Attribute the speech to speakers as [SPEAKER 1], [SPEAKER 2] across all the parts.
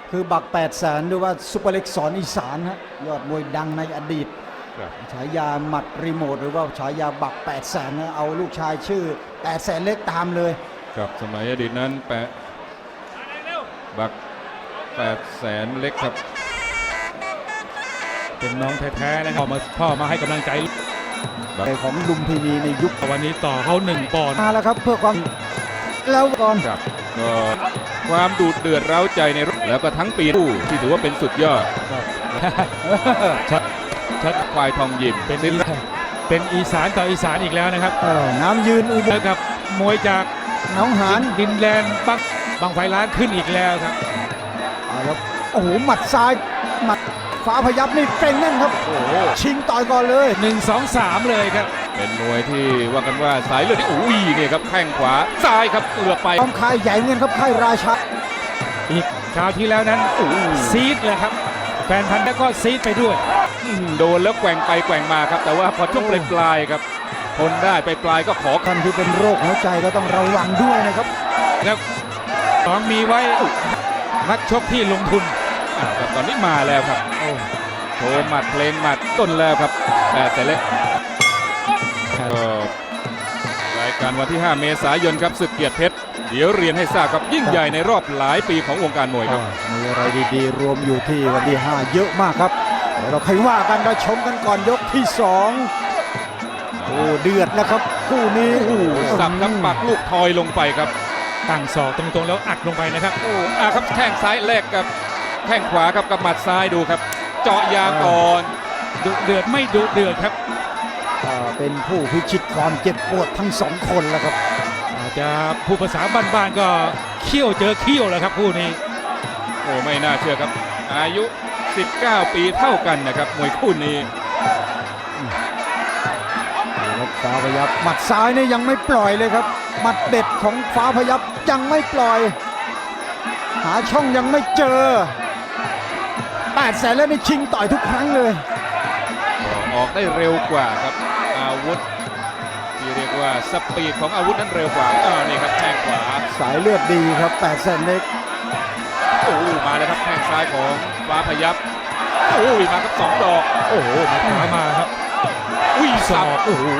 [SPEAKER 1] คือบัก800,000หรือว่าซุปเปอร์เล็กสอนอีสานฮะยอดมวยดังในอดีตฉายาหมัดรีโมทหรือว่าฉายาบัก800,000นะเอาลูกชายชื่อ800,000เล็กตามเลย
[SPEAKER 2] ครับสมัยอดีตนั้นบัก800,000เล็กครับ
[SPEAKER 3] เป็นน้องแท้ๆนะครับพ่อมาให้กำลังใจ
[SPEAKER 1] ของลุมพินีในยุค
[SPEAKER 3] วันนี้ต่อเขา1 ปอนด์
[SPEAKER 1] มาแล้วครับเพื่อความแล้วก่อน
[SPEAKER 2] ครับก็ความดูดเดือดเร้าใจในรอบแล้วก็ทั้งปีที่ถือว่าเป็นสุดยอดชัดควายทองยิม
[SPEAKER 3] เป็นอีสานต่ออีสานอีกแล้วนะครับ
[SPEAKER 1] น้ำยืนอุบล
[SPEAKER 3] กับมวยจาก
[SPEAKER 1] น้องหาน
[SPEAKER 3] ดินแดนบางไฟล้านขึ้นอีกแล้วครับ
[SPEAKER 1] แล้วโอ้โหหมัดซ้ายหมัดฟ้าพยับนี่เก่งแน่นครับชิงต่อยก่อนเลย
[SPEAKER 3] 1 2 3เลยครับ
[SPEAKER 2] เป็นมวยที่ว่ากันว่าสายเลือดที่อุ้ยเนี่ยครับแข้งขวาซ้ายครับเอือกไป
[SPEAKER 1] ต้องค่ายใหญ่เงินครับค่ายราชา
[SPEAKER 3] อีกคราวที่แล้วนั้นซีดเลยครับแฟนพันธุ์แล้วก็ซีดไปด้วย
[SPEAKER 2] โดนแล้วแกว่งไปแกว่งมาครับแต่ว่าพอช่วงปลายครับทนได้ไปปลายก็ขอ
[SPEAKER 1] กันที่เป็นโรคหัวใจก็ต้องระวังด้วยนะครับ
[SPEAKER 3] แล้วต้องมีไว้นักชกที่ลงทุน
[SPEAKER 2] ครับตอนนี้มาแล้วครับโชว์หมัดเพลงหมัดต้นแล้วครับ800,000เล็กรายการวันที่5 เมษายนครับศึกเกียรติเพชรเดี๋ยวเรียนให้ทราบครับยิ่งใหญ่ในรอบหลายปีของวงการมวยครับ
[SPEAKER 1] มีอะไรดีๆรวมอยู่ที่วันที่5เยอะมากครับเดี๋ยวเราค่อยว่ากันเราชมกันก่อนยกที่2โอ้เดือดนะครับคู่นี้
[SPEAKER 2] สับครับปักลูกทอยลงไปครับ
[SPEAKER 3] ตั้งศอกตรงๆแล้วอัดลงไปนะครับ
[SPEAKER 2] ครับแข้งซ้ายแลกกับแข้งขวาครับกับหมัดซ้ายดูครับเจาะยางก่อน
[SPEAKER 3] ดุเดือดไม่ดุเดือดครับ
[SPEAKER 1] เป็นผู้พิชิตความเจ็บปวดทั้ง2 คนแล้วครับ
[SPEAKER 3] อาจจะผู้ภาษาบ้านๆก็เขี้ยวเจอเขี้ยวแล้วครับคู่นี้
[SPEAKER 2] ไม่น่าเชื่อครับอายุ19 ปีเท่ากันนะครับมวยคู่นี้
[SPEAKER 1] ฟ้าพยับหมัดซ้ายนี่ยังไม่ปล่อยเลยครับหมัดเด็ดของฟ้าพยับยังไม่ปล่อยหาช่องยังไม่เจอ800,000แล้วนี่ชิงต่อยทุกครั้งเลย
[SPEAKER 2] ออกได้เร็วกว่าครับอาวุธที่เรียกว่าสปีดของอาวุธนั้นเร็วกว่านี่ครับแข้งขวา
[SPEAKER 1] สายเลือดดีครับ800,000เล็ก
[SPEAKER 2] มาแล้วครับแข้งซ้ายของฟ้าพยับมาครับ2 ดอก
[SPEAKER 3] มาขวามาครับ
[SPEAKER 2] ศอก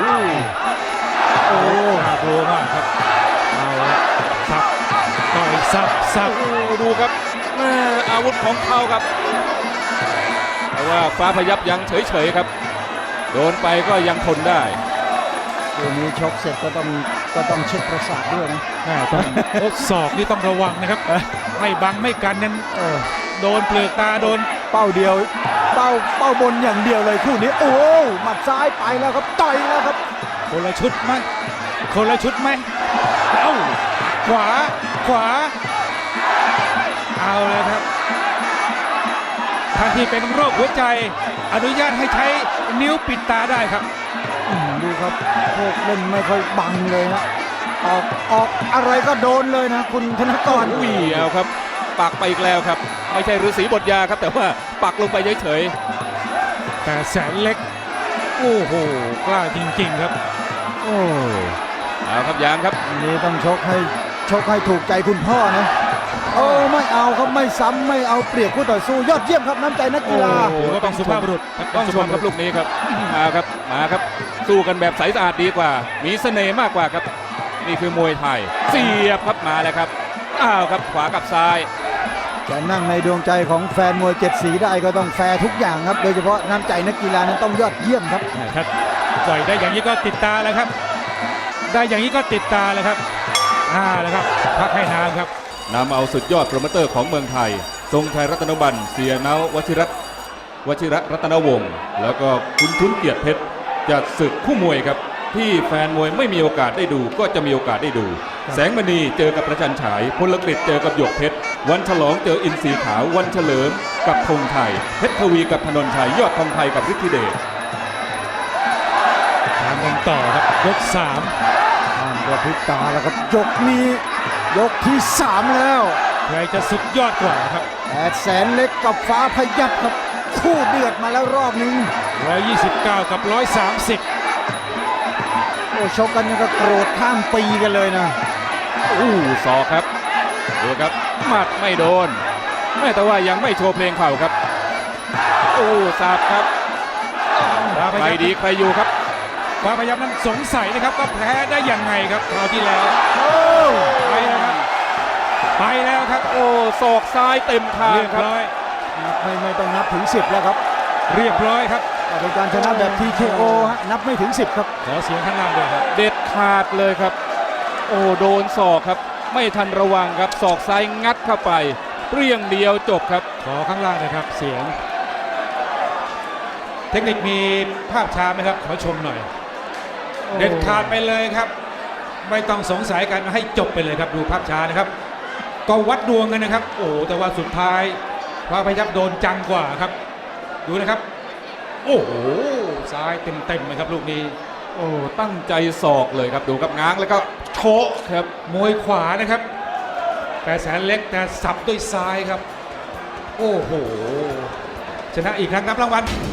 [SPEAKER 3] น่ากลัวมากครับเอาสับต่อยสับ
[SPEAKER 2] ดูครับอาวุธของเขาครับแต่ว่าฟ้าพยับยังเฉยๆครับโดนไปก็ยังทนได้
[SPEAKER 1] ตัวนี้ชกเสร็จก็ต้องเช็คประสาทด้วยนะ
[SPEAKER 3] ศอกนี่ต้องระวังนะครับไม่บังไม่กันนั้นโดนเปลือกตาโดน
[SPEAKER 1] เป้าเดียวเป้าบนอย่างเดียวเลยคู่นี้หมัดซ้ายไปแล้วครับต่อยแล้วครับ
[SPEAKER 3] คนละชุดไหมขวาเอาเลยครับท่านที่เป็นโรคหัวใจอนุญาตให้ใช้นิ้วปิดตาได้ครับ
[SPEAKER 1] ดูครับพวกเล่นไม่ค่อยบังเลยนะออกอะไรก็โดนเลยนะคุณธนกร
[SPEAKER 2] เอาครับปักไปอีกแล้วครับไม่ใช่ฤาษีบทยาครับแต่ว่าปักลงไปเฉย
[SPEAKER 3] ๆ800,000เล็กกล้าจริงๆครับ
[SPEAKER 2] เอาครับยางครับ
[SPEAKER 1] นี่ต้องชกให้ถูกใจคุณพ่อนะไม่เอาครับไม่ซ้ำไม่เอาเปรียบคู่ต่อสู้ยอดเยี่ยมครับน้ำใจนักกีฬา
[SPEAKER 3] ก็ต้องสุภาพบุรุษ
[SPEAKER 2] ต้องชมครับลูกนี้ครับมาครับสู้กันแบบใสสะอาดดีกว่ามีเสน่ห์มากกว่าครับนี่คือมวยไทยเสียบครับมาแล้วครับครับขวากับซ้าย
[SPEAKER 1] จะนั่งในดวงใจของแฟนมวย7 สีได้ก็ต้องแฟร์ทุกอย่างครับโดยเฉพาะน้ำใจนักกีฬานั้นต้องยอดเยี่ยมครับ
[SPEAKER 3] ต่อยได้อย่างนี้ก็ติดตาแล้วครับได้อย่างนี้ก็ติดตาเลยครับแล้วครับพักให้นานครับ
[SPEAKER 2] นำเอาสุดยอดโปรโมเตอร์ของเมืองไทยทรงชัยรัตนบัณฑ์เสียเนาวชิระรัตนวงศ์แล้วก็คุณทุนเกียรติเพชรจัดศึกคู่มวยครับที่แฟนมวยไม่มีโอกาสได้ดูก็จะมีโอกาสได้ดูแสงมณีเจอกับประจันฉายพลกฤษเจอกับหยกเพชรวันฉลองเจออินทรีขาววันเฉลิมกับธงไทยเพชรทวีกับธนนชัยยอดทองไทยกับฤทธิเดช
[SPEAKER 3] ตามกันต่อครับยก3
[SPEAKER 1] กระพริบตาแล้วครับยกนี้ยกที่3แล้ว
[SPEAKER 3] ใครจะสุดยอดกว่าครับ
[SPEAKER 1] 800,000เล็กกับฟ้าพยับครับคู่เดือดมาแล้วรอบนึง
[SPEAKER 3] 129กับ130
[SPEAKER 1] ชกกันก็โกรธข้ามปีกันเลยนะ
[SPEAKER 2] ศอกครับดูครับหมัดไม่โดนไม่แต่ว่ายังไม่โชว์เพลงเข่าครับโอ้สับครับใครดีใครอยู่ครับ
[SPEAKER 3] ฟ้าพยับนั้นสงสัยนะครับว่าแพ้ได้ยังไงครับคราวที่แล้วไปแล้วครับไปแล้วครับ
[SPEAKER 2] โอ้ศอกซ้ายเต็มทาง
[SPEAKER 3] เรียบ
[SPEAKER 2] ครับ
[SPEAKER 3] ร้อย
[SPEAKER 1] ไม่ต้องนับถึง 10 แล้วครับ
[SPEAKER 3] เรียบร้อยครับ
[SPEAKER 1] แต่เป็นการชนะแบบ TKO ฮะนับไม่ถึง 10 ครับ
[SPEAKER 3] ขอเสียงข้างล่างด้วยครับ
[SPEAKER 2] เด็ดขาดเลยครับโอ้โดนศอกครับไม่ทันระวังครับศอกซ้ายงัดเข้าไปเปรี้ยงเดียวจบครับ
[SPEAKER 3] ขอข้างล่างนะครับเสียง เทคนิคมีภาพช้าไหมครับขอชมหน่อย เด็ดขาดไปเลยครับ ไม่ต้องสงสัยกันให้จบไปเลยครับดูภาพช้านะครับ ก็วัดดวงกันนะครับ โอ้แต่ว่าสุดท้ายฟ้าพยับโดนจังกว่าครับ ดูนะครับ โอ้โหซ้ายเต็มๆเลยครับลูกนี้
[SPEAKER 2] โอ้ตั้งใจศอกเลยครับดูครับง้างแล้วก็โชกครับ
[SPEAKER 3] มวยขวานะครับแต่แสนเล็กแต่สับด้วยซ้ายครับ โอ้โหชนะอีกครั้งครับรางวัล